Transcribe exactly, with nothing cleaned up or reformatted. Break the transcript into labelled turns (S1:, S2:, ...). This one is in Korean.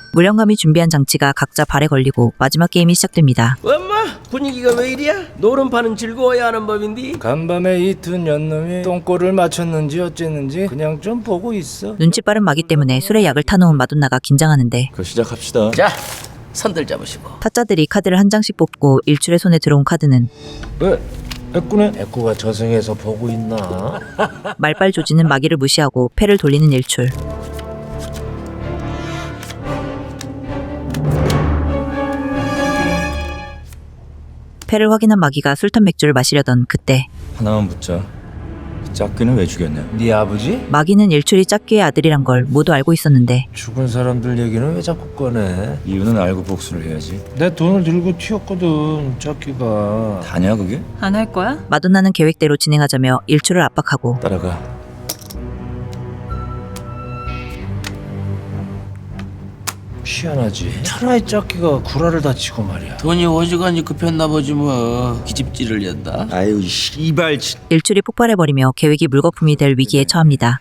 S1: 무령감이 준비한 장치가 각자 발에 걸리고 마지막 게임이 시작됩니다.
S2: 엄마 분위기가 왜 이리야? 노름판은 즐거워야 하는 법인데.
S3: 간밤에 이 두 년놈이 똥꼬를 맞췄는지 어쨌는지 그냥 좀 보고 있어.
S1: 눈치 빠른 마기 때문에 술에 약을 타놓은 마돈나가 긴장하는데
S4: 그 시작합시다.
S2: 자 선들 잡으시고.
S1: 타짜들이 카드를 한 장씩 뽑고 일출의 손에 들어온 카드는
S3: 왜? 애꾸네? 애꾸가 저승에서 보고 있나?
S1: 말빨 조지는 마기를 무시하고 패를 돌리는 일출. 패를 확인한 마기가 술탄 맥주를 마시려던 그때
S4: 하나만 묻자. 짝귀는 왜 죽였냐?
S3: 네 아버지?
S1: 마기는 일출이 짝귀의 아들이란 걸 모두 알고 있었는데
S3: 죽은 사람들 얘기는 왜 자꾸 꺼내?
S4: 이유는 알고 복수를 해야지.
S3: 내 돈을 들고 튀었거든, 짝기가.
S4: 다냐 그게?
S5: 안 할 거야?
S1: 마돈나는 계획대로 진행하자며 일출을 압박하고
S4: 따라가.
S3: 희한하지. 차라리 짝기가 구라를 다치고 말이야.
S2: 돈이 어지간히 급했나 보지 뭐. 기집질을 낸다.
S4: 아유 씨발 진.
S1: 일출이 폭발해버리며 계획이 물거품이 될 위기에 처합니다.